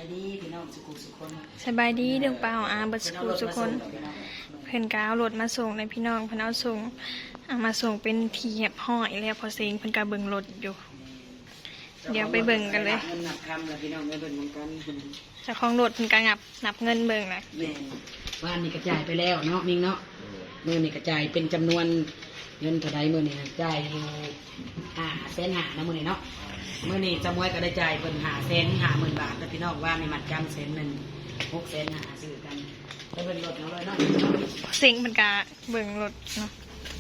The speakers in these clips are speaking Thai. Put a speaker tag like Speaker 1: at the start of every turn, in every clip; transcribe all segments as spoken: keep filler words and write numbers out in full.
Speaker 1: ายดีพี่น้องสุขุสุขคน
Speaker 2: สบายดีเรื่องเปล่าอาบัสกูทุกคนเพิ่นกเอารถมาส่งในพี่น้องเพิ่นเอาส่งเอามาส่งเป็นทีเหียบห้อยแล้วพอเซ็งเพิ่นกาเบิ่งรถอยู่เดี๋ยวไปเบิ่งกันเลย
Speaker 1: เงินนับคำแล้วพี่น้องไปเบิ่งกัน
Speaker 2: เจ้าของรถเพิ่นกางับนับเงินเบิ่งนะ
Speaker 1: แม่บ้านนี้กระจายไปแล้วเนาะมิงเนาะมือนี่กระจายเป็นจำนวนเงินเท่าไรมือนี่จ่ายอยู่ห้าแสนห้านะมือนี่เนาะมือนี่จำไว้ก็ได้จ่ายเป็นห้าแสนห้าหมื่นบาทแล้วพี่น้องว่าในมัดจำแสนหนึ่งหกแสนห้าซื้อกันไปเบิ่งรถเอาเลยเนาะ
Speaker 2: พอเซ็งเพิ่นกาเบิ่งรถเนาะ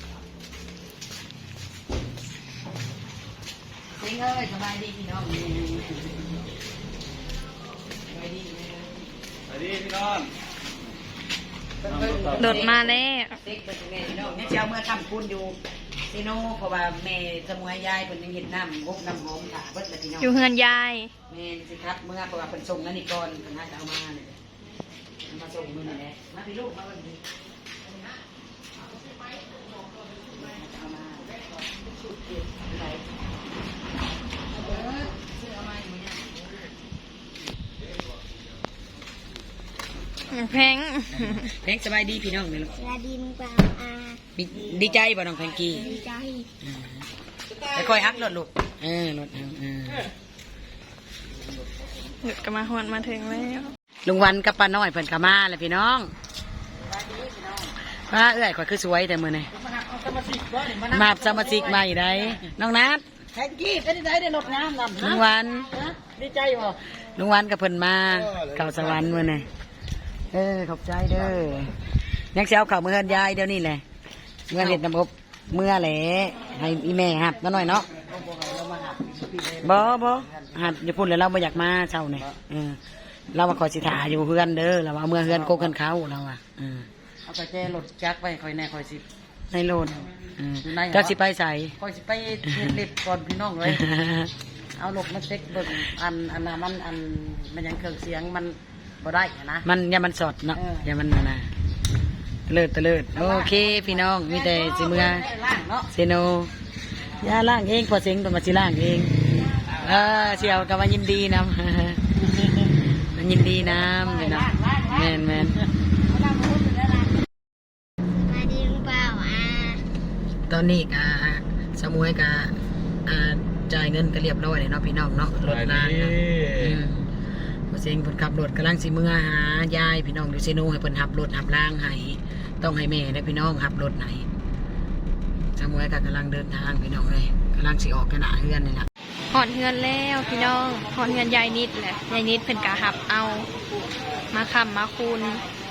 Speaker 1: เฮ้ยเอ้ยสบายดีพี่น้องสบายดี
Speaker 3: สวัสดีพี่น้อง
Speaker 2: รถมาแล้ว
Speaker 1: เด็กเป็นไงพี่น้องเนี่ยเจ้าเมื่อทำคุณอยู่ซีโน่เพราะว่าแม่สมุยยายเป็นยังเห็นน้ำงกน้ำหอมถ่าเบิดเลยพี่น้อง
Speaker 2: อยู่เฮือนยาย
Speaker 1: แม่สิครับเมื่อเพราะว่าเป็นส่งนั่นนี่ก่อนเป็นน่าจะเอามาเนี่ยมาส่งมือนี่แหละมาพี่ลูกมาวันนี้เอามาชุดเก็บอะไรเบิดซื้อเอามาอยู่เนี่ย
Speaker 2: แพง
Speaker 1: แพงสบายดีพี่น้องเนี่ยลูก
Speaker 4: สวัสดีมึงเปล่าอา
Speaker 1: ดีดีใจบ่น้องแพงกี้
Speaker 4: ดีใจ
Speaker 1: ไปคอยฮักรถลูกเออรถเอาเออ
Speaker 2: รถก็มาฮอดมาถึงแล้ว
Speaker 1: ลุงวันกับป้าน้อยเพิ่นก็มาเลยพี่น้องป้าเอ้ยข่อยคือสวยแต่มื้อนี้มาสมาชิกมาอยู่ได้น้องนัท
Speaker 5: แทงกี้เป็นได้ได้รถน้ำนำ
Speaker 1: ลุงวัน
Speaker 5: ดีใจบ่
Speaker 1: ลุงวันกับเพิ่นมาเข้าสวรรค์มื้อนี้เออขอบใจเด้อยังสิเอาเข้ามื้อเฮือนยายเดี๋ยวนี้แหละเมื่อเฮ็ดน้ำอบเมื่อแหละให้อีแม่หับน้อยเนาะบ่บ่หับอย่าพูดเลยเราบ่อยากมาเช้านี่เออเรามาขอสิถาอยู่เฮือนเด้อเราเอาเมื่อเฮือนโกกกันเขาเราอ่ะเออ
Speaker 5: เอาไปแก้รถจักรไปคอยแน่คอยสิ
Speaker 1: ในโลดเออเจ้าสิไปใส่
Speaker 5: คอยสิไปเฮ็ดเล็บก่อนพี่น้องเลย เอารถมาเช็คเบิ่งอันอันน่ะมันอันมันยังเครื่องเสียงมันบ่ได้อะนะ
Speaker 1: มันอย่ามันสดเนาะ
Speaker 5: เออ
Speaker 1: อย่ามันน่ะนะเลิศตะเลิศโอเคพี่น้องมีแต่สิเมื่อ
Speaker 5: ล่างเนาะ
Speaker 1: เซโนยาล่างเองพอเสียงตัวมาสิล่างเองเออเชียวกับว่ายินดีนำ มันยินดีนำพี่น้องแมนแมน
Speaker 4: สวัสดีมึงเปล่าอา
Speaker 1: ตอนนี้กะสมุยกะอ่าจ่ายเงินก็เรียบร้อยเลยเนาะพี่น้องเนาะรถลางนะอืมพอเสียงเพิ่นขับรถกำลังสิเมื่อหายายพี่น้องดูเซโนให้เพิ่นหับรถหับล่างให้ต้องให้แม่และพี่น้องหับรถไหนสมุยกะกำลังเดินทางพี่น้องเลยกำลังสิออกกระหนาเฮือนนี่แหละ
Speaker 2: ฮอดเฮือนแล้วพี่น้องฮอดเฮือนยายนิดแหละยายนิดเพิ่นกาหับเอามาค้ำมาคูณ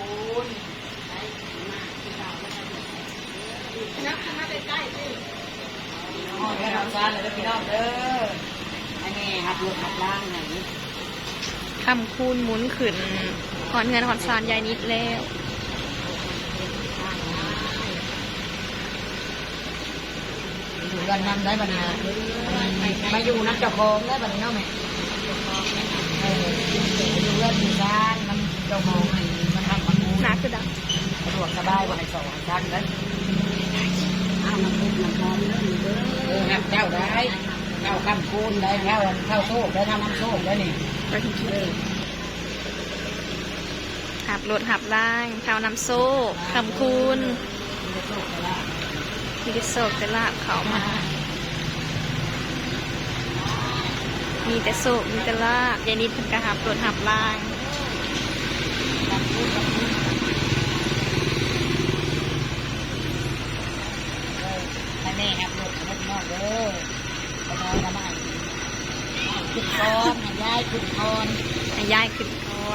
Speaker 1: อ๋อแค่ทำซานเลยพี่น้องเด้ออันนี้หับรถหับล่างไหน
Speaker 2: คำคูณหมุนขึ้นหอนเงินหอนซานยายนิดแล้ว
Speaker 1: อยู่กันนำได้บัดนี้มาอยู่นักเจ้าของได้บัดนี้เนาะแม่เอออยู่เรื่องที่ซานมันเจ้าของให้มันทำมัน
Speaker 2: หนาคือดัง
Speaker 1: สะดวกสบายบ่ให้สองชั้นเลยอ้าวมันเป็นมันหอมเลยเออหักเจ้าได้เจ้าคำคูณได้เจ้าเข้าโซ่ได้ทำน้ำโซ่ได้นี่
Speaker 2: ไปถึงที่หับรถหับล่างเท้าน้ำโซ่คำคูณมีแต่โศกแต่ลาบเขามา มีแต่โศกมีแต่ลาบยายนิดเพิ่นก็หับรถหับล่าง
Speaker 1: ให้แม่หักรถให้พี่น้องเด้อไปนอนกันมาขึ้นคอนให้ยายขึ้นคอน
Speaker 2: ให้ยายขึ้นก่อน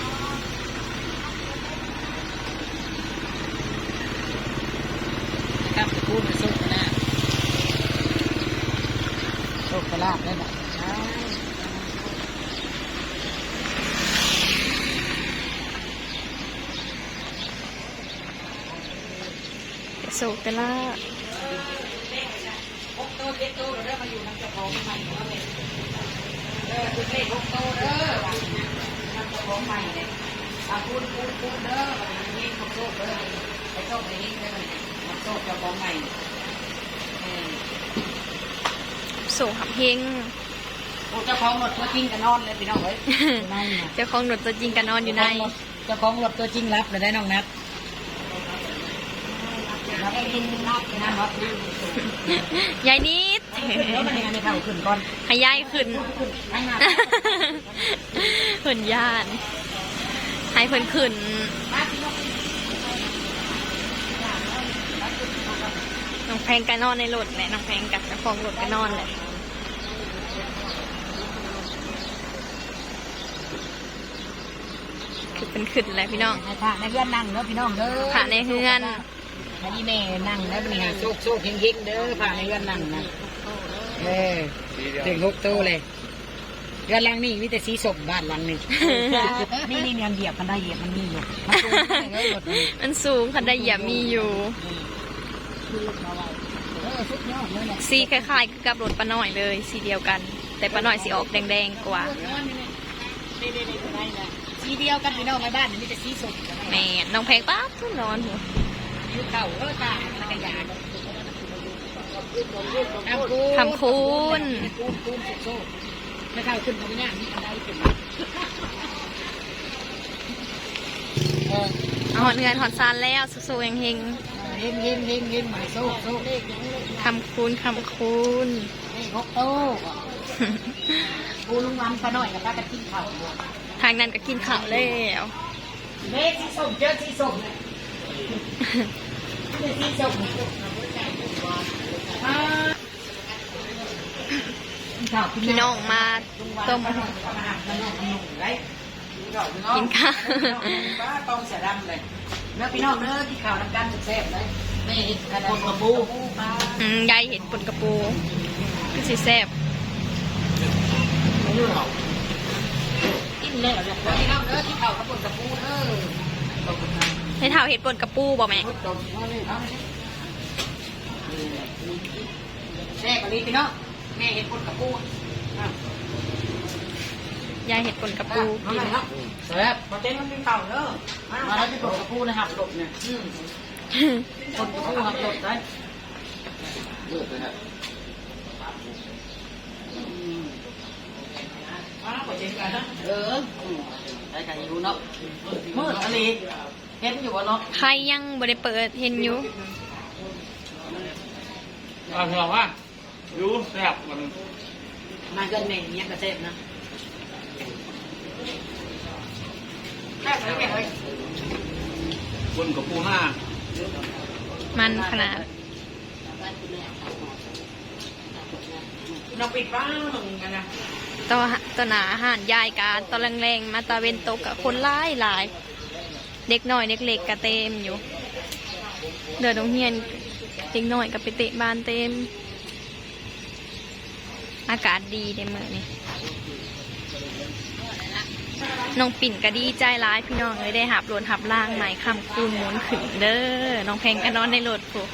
Speaker 1: ครับคูณโซ่กระลาบโซ่กระลาบได้ไหมใช่
Speaker 2: แต่โศกแต่ลาบ
Speaker 1: หกโตเจ็ดโตเด้อมาอยู่น้ำเจ้าของใหม่เนาะแม่เออคือเลขหกโตเด้อน้ำเจ้าของใหม่เลยอ่ะคูณคูณคูณเด้อวันนี้หกโตเด้อไปโตไปนี่เด้อหกโตเจ้าของใหม่เออ
Speaker 2: โศกหับเฮง
Speaker 1: โอ้เจ้าของรถตัวจริงกันนอนเลยพี่น้องเอ้ยนั่นน่ะ
Speaker 2: เจ้าของรถตัวจริงก็นอนอยู่ใน
Speaker 1: เจ้าของรถตัวจริงรับเลยได้น้องนัดรับได้ยินนัดนะครับ
Speaker 2: ยายนิด
Speaker 1: แล้วมันยังไงไม่เท่าขึ้นก่อน
Speaker 2: ให้ยายขึ้น
Speaker 1: ให้มา
Speaker 2: เพิ่นย่าน ให้เพิ่นขึ้นน้องแพงก็นอนในรถแหละน้องแพงกับเจ้าของรถก็นอนแหละคือเป็นขึ้นแหละพี่น้อง
Speaker 1: ให้พระในเฮือนนั่งเด้อพี่น้องเด้อ
Speaker 2: พระในเฮือน
Speaker 1: ให้อีแม่นั่งแล้วนี่ฮะโซกโซกเฮงเฮงเด้อพระในเฮือนนั่งนะเออถึงหกโตเลยเรือนหลังนี่มีแต่สีสมบ้านหลังนี่ นี่นี่เนี่ยเหยียบมันได้เหยียบมันมีอยู่มันสูงเลยรถนี่
Speaker 2: มันสูงคันไดเหยียบมีอยู่
Speaker 1: เออสุดยอดเลยเนี่ย
Speaker 2: สีคล้ายๆกับรถป้าน้อยเลย สีเดียวกัน แต่ป้าน้อยสีออกแดงๆกว่า
Speaker 1: สีเดียวกันพี่น้องในบ้านนี่มีแต่สีสม
Speaker 2: แม่น้องแพงป้าทุนนอนหัว
Speaker 1: ยุคเก่าเออตาแล้วก็ยา
Speaker 2: คำคูณ
Speaker 1: คูณคูณสุดโซ่ไม่เข้าขึ้นตรงนี้มีอะไรเป็นเออ
Speaker 2: เอาหอนเงินหอนซานแล้วสู้ๆเฮง
Speaker 1: เฮงเฮงเฮงเฮงหมายโซ่โซ่เลข
Speaker 2: ๆคำคูณคำคูณ
Speaker 1: เลขหกโต้กูลุงวันปะหน่อยกับป้ากันกินข้าว
Speaker 2: ทางนั้นก็กินข้าวแล้ว
Speaker 1: เลขสีส้มเจอสีส้มสีส้ม
Speaker 2: พี่น้องมาต้มกินข้าว
Speaker 1: ต้องเสียดำเลยเนื้อพี่น้องเนื้อที่ข่าวน้ำกันแซ่บเลยไม่เห็นคนกระปู
Speaker 2: อืมยายเห็นปนกระปูก็สิแซ่บ
Speaker 1: กินแล้วเนี่ยพี่น้องเนื้อที่ข่าวกระปุกกระปูเออ
Speaker 2: ให้เท่าเห็ดปนกระปูบ่แม่
Speaker 1: แซ่บกว่านี้พี่น้องแม่เห็นคนกระปู
Speaker 2: ยายเห็ดปนกระปู
Speaker 1: กินครับแซ่บมาเต้นมันเป็นเต่าเด้อมาแล้วที่คนกระปูนะครับหลบเนี่ยคนกระปูหักหลบได้เออได้กันอยู่เนาะมืดอะไรเห็นอยู่วะเนาะ
Speaker 2: ใครยังบ่ได้เปิดเห็นอยู่
Speaker 3: เอาเถอะว่าดูแซ่บมัน
Speaker 1: มาเกินแม่เนี้ยกระเซ็บนะแซ่บเลยแม่เฮ้ย
Speaker 3: บนกับปูหน้า
Speaker 2: มันขนาด
Speaker 1: เราปิดบ้านหนึ่งกันนะ
Speaker 2: ต่อต่อหนาอาหารยายกาตอนแรงๆมาตาเวนตกกับคนหลายหลายเด็กน้อยเด็กเล็กก็เต็มอยู่เดินโรงเรียนเด็กน้อยก็ไปเตะบานเต็ม อากาศดีในเมืองนี้น้องปิ่นก็ดีใจร้ายพี่น้องเลยได้หับรถหับล่างใหม่คำคูณหมุนขึ้นเด้อน้องแพงก็นอนในรถผูก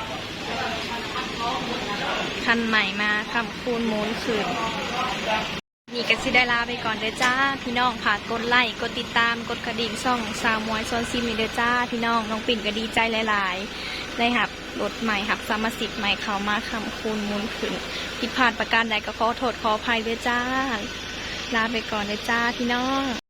Speaker 2: คันใหม่มาคำคูณหมุนขึ้นนี่ก็สิได้ลาไปก่อนเด้อจ้าพี่น้องค่ะกดไลค์กดติดตามกดกระดิ่งช่องสาวมวยโซนซิมนี่เด้อจ้าพี่น้องน้องปิ่นก็ดีใจหลายๆได้หับรถใหม่หับสามสิบใหม่เข้ามาคำคูณหมุนขึ้นผิดพลาดประการใดก็ขอโทษขออภัยเด้อจ้าลาไปก่อนเด้อจ้าพี่น้อง